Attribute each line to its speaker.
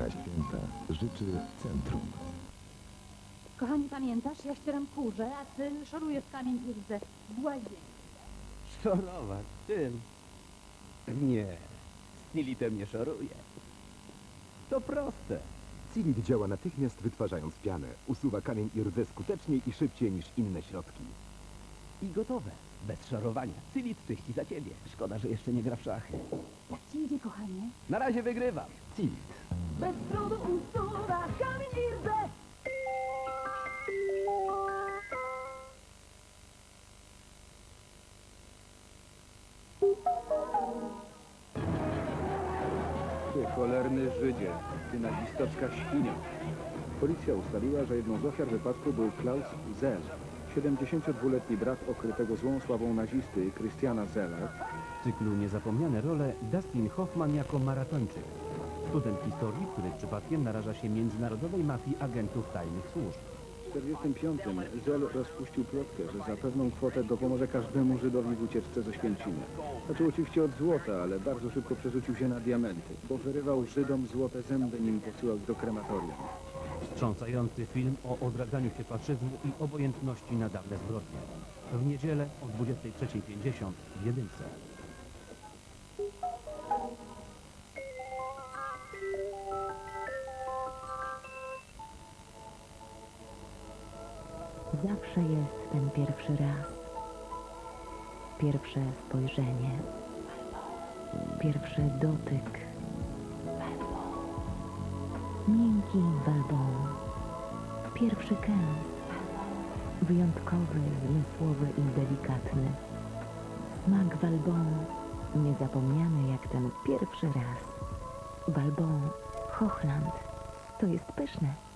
Speaker 1: Na święta życzy Centrum.
Speaker 2: Kochani, pamiętasz? Ja ścieram kurze, a ty szorujesz kamień i rdze w łazience.
Speaker 3: Szorować? Czym? Nie, Snilitem nie szoruje. To proste.
Speaker 4: Cilit działa natychmiast wytwarzając pianę. Usuwa kamień i rdzę skuteczniej i szybciej niż inne środki.
Speaker 3: I gotowe. Bez szorowania. Cilit czyści za ciebie. Szkoda, że jeszcze nie gra w szachy.
Speaker 2: Jak ci idzie, kochanie?
Speaker 3: Na razie wygrywam.
Speaker 4: Cilit.
Speaker 2: Bez trudu usuwa kamień i rdze.
Speaker 5: Ty cholerny Żydzie, ty nazistowska świnia. Policja ustaliła, że jedną z ofiar wypadku był Klaus Zell, 72-letni brat okrytego złą sławą nazisty Christiana Zella.
Speaker 6: W cyklu Niezapomniane role Dustin Hoffman jako maratończyk. Student historii, który przypadkiem naraża się międzynarodowej mafii agentów tajnych służb.
Speaker 5: W 1945 Zell rozpuścił plotkę, że za pewną kwotę dopomoże każdemu Żydowi w ucieczce ze Święcimy. Zaczął oczywiście od złota, ale bardzo szybko przerzucił się na diamenty, bo wyrywał Żydom złote zęby, nim posyłał do krematorium.
Speaker 6: Wstrząsający film o odradzaniu się faszyzmu i obojętności na dawne zbrodnie. W niedzielę o 23:50 w Jedynce.
Speaker 7: Zawsze jest ten pierwszy raz. Pierwsze spojrzenie. Pierwszy dotyk. Miękki walbon. Pierwszy kęs. Wyjątkowy, zmysłowy i delikatny. Smak walbonu. Niezapomniany jak ten pierwszy raz. Walbon Hochland. To jest pyszne.